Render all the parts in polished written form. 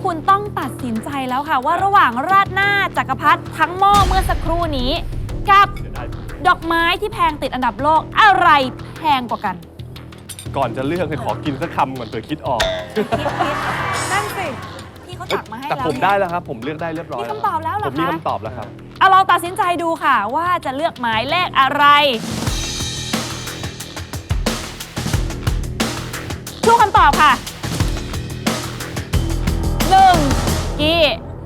คุณต้องตัดสินใจแล้วค่ะว่าระหว่างราดหน้าจักรพรรดิทั้งหม้อเมื่อสักครู่นี้กับดอกไม้ที่แพงติดอันดับโลกอะไรแพงกว่ากันก่อนจะเลือกให้ขอกินสักคำก่อนเผื่อคิดออกนั่นสิพี่เขาตักมาให้แล้วแต่ผมได้แล้วครับผมเลือกได้เรียบร้อยมีคำตอบแล้วเหรอคะผมมีคำตอบแล้วครับเอาเราตัดสินใจดูค่ะว่าจะเลือกหมายเลขอะไรชูคำตอบค่ะ1กี้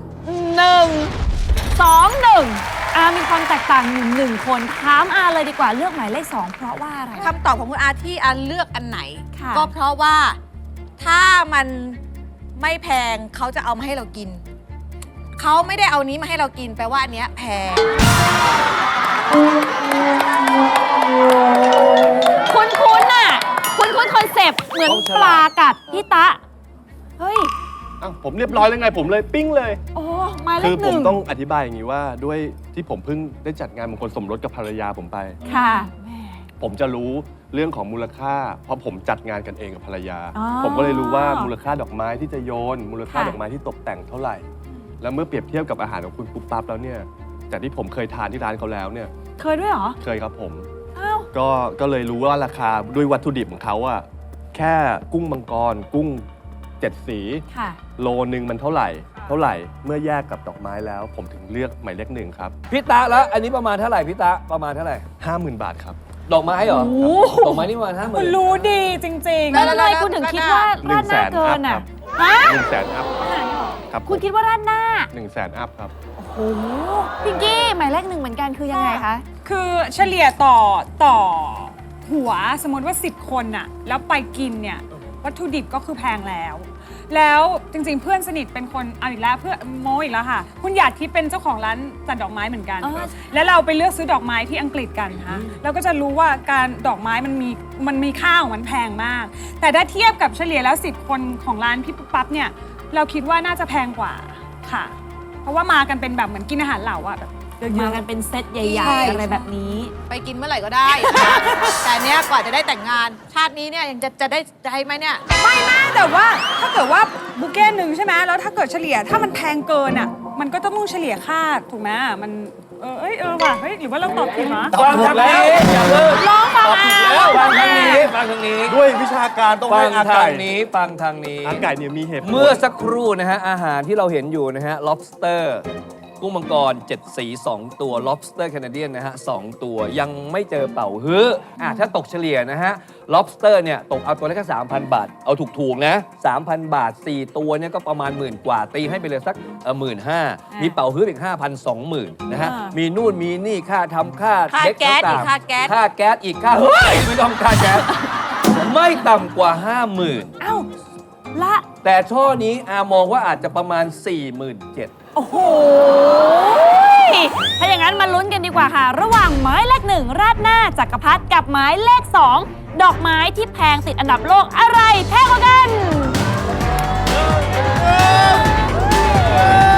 1 2 1มีความแตกต่างอยู่1คนถามอาเลยดีกว่าเลือกหมายเลข2เพราะว่าอะไรคำตอบของคุณอาที่อาเลือกอันไหนก็เพราะว่าถ้ามันไม่แพงเขาจะเอามาให้เรากินเขาไม่ได้เอานี้มาให้เรากินแปลว่าอันเนี้ยแพงคุณน่ะคุณคอนเซปต์เหมือนปลากัดพี่ตะเฮ้ยผมเรียบร้อยแล้วไงผมเลยปิ้งเลยโอ้มาเลขหนึ่งคือผมต้องอธิบายอย่างนี้ว่าด้วยที่ผมเพิ่งได้จัดงานมงคลสมรสกับภรรยาผมไปค่ะผมจะรู้เรื่องของมูลค่าเพราะผมจัดงานกันเองกับภรรยาผมก็เลยรู้ว่ามูลค่าดอกไม้ที่จะโยนมูลค่าดอกไม้ที่ตกแต่งเท่าไหร่แล้วเมื่อเปรียบเทียบกับอาหารของคุณปุ๊บปั๊บแล้วเนี่ยจากที่ผมเคยทานที่ร้านเขาแล้วเนี่ยเคยด้วยเหรอเคยครับผมก็เลยรู้ว่าราคาด้วยวัตถุดิบของเขาอะแค่กุ้งมังกรกุ้ง7 สีโลนึงมันเท่าไหร่เมื่อแยกกับดอกไม้แล้วผมถึงเลือกหมายเลข1ครับพี่ตะแล้วอันนี้ประมาณเท่าไหร่พี่ตะประมาณเท่าไหร่ 50,000 บาทครับดอกไม้เหรอดอกไม้นี่ประมาณ50,000 คุณรู้ดีจริงๆแล้วทำไมคุณถึงคิดว่าราดหน้าเกินอ่ะ 100,000 อัพครับคุณคิดว่าราดหน้า 100,000 อัพครับโอ้โหพิงกี้หมายเลข1เหมือนกันคือยังไงคะคือเฉลี่ยต่อหัวสมมติว่า10 คนน่ะแล้วไปกินเนี่ยวัตถุดิบก็คือแพงแล้วจริงๆเพื่อนสนิทเป็นคนเอาอีกแล้วเพื่อโมอีกแล้วค่ะคุณหยาดที่เป็นเจ้าของร้านจัดดอกไม้เหมือนกันแล้วเราไปเลือกซื้อดอกไม้ที่อังกฤษกันค่ะเราก็จะรู้ว่าการดอกไม้มันมีค่าของมันแพงมากแต่ถ้าเทียบกับเฉลี่ยแล้ว10 คนของร้านพี่ปุ๊บปั๊บเนี่ยเราคิดว่าน่าจะแพงกว่าค่ะเพราะว่ามากันเป็นแบบเหมือนกินอาหารเหล่าอะแบบมากันเป็นเซตใหญ่ๆอะไรแบบนี้ไปกินเมื่อไหร่ก็ได้แต่เนี้ยกว่าจะได้แต่งงานชาตินี้เนี่ยยังจะได้ไหมเนี่ยไม่นะแต่ว่าถ้าเกิดว่าบุเก้หนึ่งใช่ไหมแล้วถ้าเกิดเฉลี่ยถ้ามันแพงเกินอ่ะมันก็ต้องเฉลี่ยค่าถูกไหมมันว่ะเฮ้ยหรือว่าเราตอบผิดเหรอตอบถูกแล้วอย่าเลิกร้องฟังฟังทางนี้ด้วยวิชาการต้องให้อาไก่ฟังทางนี้อาไก่เนี่ยมีเหตุเมื่อสักครู่นะฮะอาหารที่เราเห็นอยู่นะฮะ lobsterกุ้งมังกร7 สี2 ตัว lobster Canadian นะฮะ2 ตัวยังไม่เจอเป่าฮื้อถ้าตกเฉลี่ยนะฮะ lobster เนี่ยตกเอาตัวละแค่ 3,000 บาทเอาถูกๆนะ 3,000 บาท4 ตัวเนี่ยก็ประมาณ10,000 กว่าตีให้ไปเลยสัก15,000มีเป่าฮื้ออีก 5,000 20,000นะฮะมีนู่นมีนี่ค่าทำค่าเช็คต่างค่าแก๊สอีกค่าเฮ้ยไม่ต้องค่าแก๊สไม่ต่ำกว่า 50,000 อ้าวละแต่ช่อนี้มองว่าอาจจะประมาณ 47,000 โอ้โหถ้าอย่างนั้นมาลุ้นกันดีกว่าค่ะระหว่างหมายเลข1ราดหน้าจักรพรรดิกับหมายเลข2ดอกไม้ที่แพงติดอันดับโลกอะไรแพงกว่ากัน